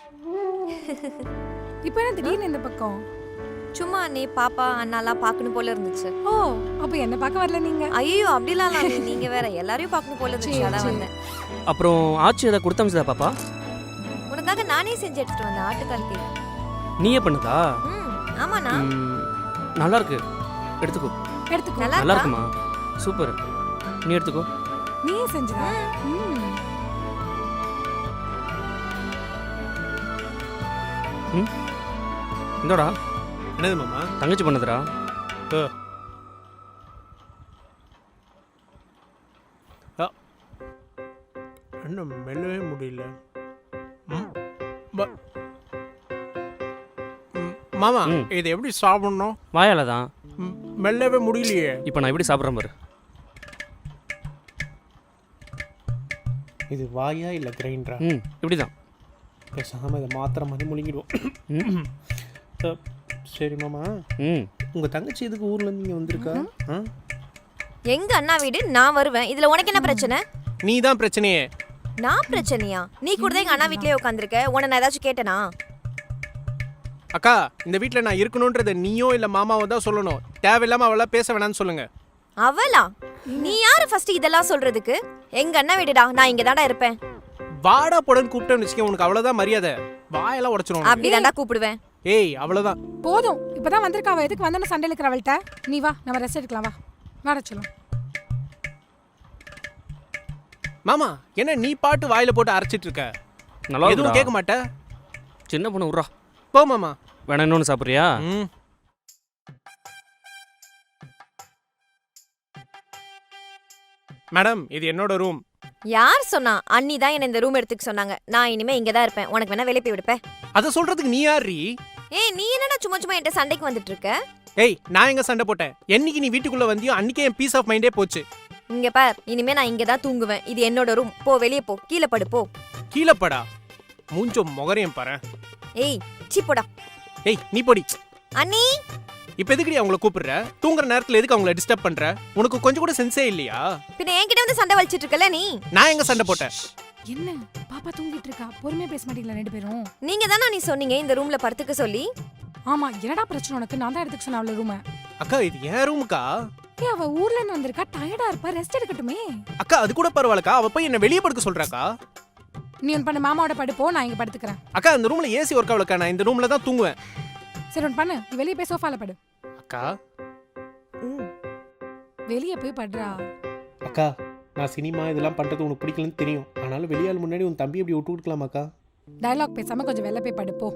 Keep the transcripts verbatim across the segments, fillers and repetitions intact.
இப்போ என்ன திடீர்னு இந்த பக்கம்? சும்மா நீ பாப்பா அண்ணாலாம் பார்க்கணும் போல இருந்துச்சு. ஓ, அப்போ என்ன பார்க்க வரல நீங்க? ஐயோ அப்படிலாம் இல்ல, நீங்க வேற எல்லாரையும் பார்க்கணும் போல இருந்துச்சு, சரி, அதான் சரி. வந்தேன். அப்புறம் ஆச்சு ஏதாவது கொடுத்தமிச்சதா பாப்பா? உனக்காக நானே செஞ்சு எடுத்துட்டு வந்தேன் ஆட்டுக்கால் கேக். நீயே பண்ணுதா? ம் ஆமாண்ணா. ம், நல்லா இருக்கு, எடுத்துக்கோ. எடுத்துக்கோ. நல்லா நல்லா இருக்கா? இருக்குமா? சூப்பர், நீ எடுத்துக்கோ. நீயே செஞ்சதா? ம். ம், இந்தோடா என்னது மாமா? தங்கச்சி பண்ணதுடா. ஓ. ஆ. இன்னும் மெல்லவே முடியல. ம். ப- ம், மாமா ம். இது எப்படி சாப்பிடணும்? வாயால தான். ம், மெல்லவே முடியலையே. இப்போ நான் எப்படி சாப்பிட்றேன் பாரு. இது வாயா இல்லை கிரைண்டரா? ம், இப்படி தான். பேசாமல் இதை மாத்திர மாதிரி முழுங்கிடுவோம். ம் அ, சரி மாமா, ம் உங்கள் தங்கச்சி எதுக்கு ஊர்லேருந்து இங்கே வந்திருக்கா? ஆ? எங்க அண்ணா வீடு, நான் வருவேன். இதுல உனக்கு என்ன பிரச்சனை? நீ தான் பிரச்சனையே. நான் பிரச்சனையா? நீ கூட தான் எங்க அண்ணா வீட்லயே உட்காந்துருக்க. உன்னை நான் ஏதாச்சும் கேட்டனா? அக்கா, இந்த வீட்டில் நான் இருக்கணுன்றதை நீயோ இல்லை மாமாவோ தான் சொல்லணும். தேவையில்லாமல் அவளா பேச வேணாம்னு சொல்லுங்க. அவளா? நீ யாரு ஃபர்ஸ்ட் இதெல்லாம் சொல்றதுக்கு? எங்க அண்ணா வீடுடா, நான் இங்க தான்டா இருப்பேன். வாடா போடன்னு கூப்பிட்டேன்னு வச்சுக்க, உனக்கு அவ்வளோதான் மரியாதை. வாயெல்லாம் உடச்சிரும். அப்படிதான்டா கூப்பிடுவேன். ஏய், அவ்வளோதான். போதும், இப்பதான் வந்திருக்கா. அவ எதுக்கு வந்தன சண்டையில இருக்கிற அவள்கிட்ட? நீ வா, நம்ம ரெஸ்ட் எடுக்கலாம். வா வாட சொல்லும். மாமா, என்ன நீ பாட்டு வாயில போட்டு அரைச்சிட்டு இருக்க? நல்லா எதுவும் கேட்க இருக்குடா. மாட்டே? சின்ன பொண்ணு விட்றா. போ மாமா. வேணா இன்னொன்று சாப்பிட்றியா? ம். மேடம், இது என்னோட ரூம். யார் சொன்னா? அண்ணி தான் என்ன இந்த ரூம் எடுத்துக்க சொன்னாங்க. நான் இனிமே இங்க தான் இருப்பேன். உனக்கு வேணா வெளிய போய் விடுப்பேன். அதை சொல்றதுக்கு நீ யார்ரி? ஏய், நீ என்னடா சும்மா சும்மா என்கிட்ட சண்டைக்கு வந்துட்டு இருக்க? ஏய், நான் எங்க சண்டை போட்டேன்? என்னைக்கு நீ வீட்டுக்குள்ள வந்தியோ அன்னைக்கே என் பீஸ் ஆஃப் மைண்டே போச்சு. இங்க பார், இனிமே நான் இங்க தான் தூங்குவேன். இது என்னோட ரூம். போ, வெளிய போ, கீழே படு போ. கீழே படா. மூஞ்சோ முகரையும் பாரு. ஏய், சீ போடா. ஏய், நீ போடி. அண்ணி, இப்ப எதுக்குடி அவங்கள கூப்பிடுற? தூங்குற நேரத்துல எதுக்கு அவங்கள டிஸ்டர்ப் பண்ற? உனக்கு கொஞ்சம் கூட சென்ஸே இல்லையா? பின்ன என்கிட்ட வந்து சண்டை வலிச்சிட்டு இருக்கல நீ? நான் எங்க சண்டை போட்டேன்? என்ன பாப்பா தூங்கிட்டு இருக்கா? பொறுமையா பேச மாட்டீங்களா ரெண்டு பேரும்? நீங்க தானே நீ சொன்னீங்க இந்த ரூம்ல படுத்துக்க சொல்லி. ஆமா, என்னடா பிரச்சனை உனக்கு? நான் தான் எடுத்துக்க சொன்ன அவள ரூமை. அக்கா, இது என் ரூமுக்கா? ஏ, அவ ஊர்ல இருந்து வந்திருக்கா, டயர்டா இருப்பா, ரெஸ்ட் எடுக்கட்டுமே. அக்கா, அது கூட பரவாயில்லக்கா. அவ போய் என்ன வெளியே படுக்க சொல்றாக்கா? நீ ஒன் பண்ண, மாமாவோட படுப்போ, நான் இங்க படுத்துக்கிறேன். அக்கா, இந்த ரூம்ல ஏசி ஒர்க் ஆகலக்கா. நான் இந்த ரூம்ல தான் தூங்குவேன். சரி ஒன் பண்ணு, நீ வெளியே போய் சோஃபால படு. அக்கா. ம். வெளியே போய் படுறா. அக்கா, நான் சினிமா இதெல்லாம் பண்றது உனக்கு பிடிக்கலன்னு தெரியும். ஆனாலும் வெளியாள் முன்னாடி உன் தம்பி எப்படி விட்டு கொடுக்கலாமாக்கா? டயலாக் பேசாம கொஞ்சம் வெளில போய் படுப்போ.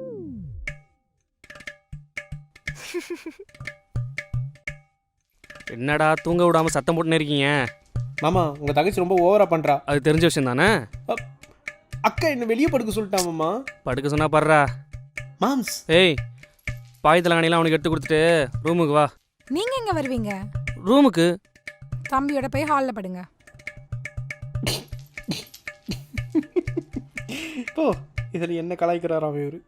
என்னடா தூங்க விடாம சத்தம் போட்டுன்னு இருக்கீங்க? மாமா, உங்க தங்கச்சி ரொம்ப ஓவரா பண்றா. அது தெரிஞ்ச விஷயம் தானே. அக்கா, என்ன வெளியே படுக்க சொல்லிட்டா மாமா. படுக்க சொன்னா படுறா. மாம்ஸ். ஏய், பாய் தலகாணிலாம் அவனுக்கு எடுத்து கொடுத்துட்டு ரூமுக்கு வா. நீங்க எங்க வருவீங்க? ரூமுக்கு. தம்பியோட போய் ஹால்ல படுங்க. ஓ, இதில் என்ன கலாய்க்கிறாராம் இவரு?